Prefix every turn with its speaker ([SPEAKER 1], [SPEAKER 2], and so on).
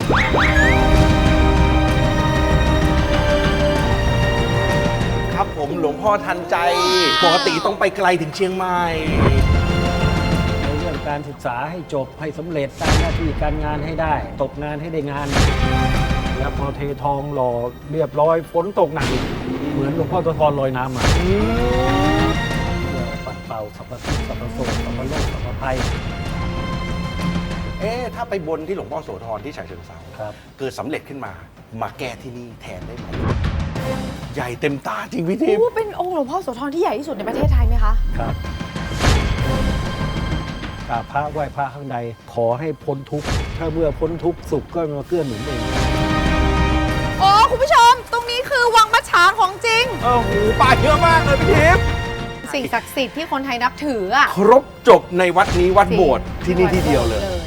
[SPEAKER 1] ครับผมหลวงพ่อทันใจปกติต้องไปไกลถึงเชียงใหม่
[SPEAKER 2] ในเรื่องการศึกษาให้จบให้สำเร็จตามหน้าที่การงานให้ได้ตกงานให้ได้งานแล้วพอเททองหล่อเรียบร้อยฝนตกหนักเหมือนหลวงพ่อโสธรลอยน้ำมาปัดเป่าสรรพสิ่งสรรพโสสรรพโลกสรรพภัย
[SPEAKER 1] ถ้าไปบนที่หลวงพ่อโสธรที่ฉะเชิงเทราเกิดสำเร็จขึ้นมาแก้ที่นี่แทนได้ไหมใหญ่เต็มตาจริงพี่ทิพย์
[SPEAKER 3] เป็นองค์หลวงพ่อโสธรที่ใหญ่ที่สุดในประเทศไทยไหมคะ
[SPEAKER 2] ครับกราบพระไหว้พระข้างในขอให้พ้นทุกข์ถ้าเมื่อพ้นทุกข์สุขก็มาเกื้อหนุนเอง
[SPEAKER 3] โอ้คุณผู้ชมตรงนี้คือวังมัจฉาของจริง
[SPEAKER 1] โอ้โหป่าเยอะมากเลยพี่ทิพย์
[SPEAKER 3] สิ่งศักดิ์สิทธิ์ที่คนไทยนับถืออะ
[SPEAKER 1] ครบจบในวัดนี้วัดโบสถ์ที่นี่ที่เดียวเลย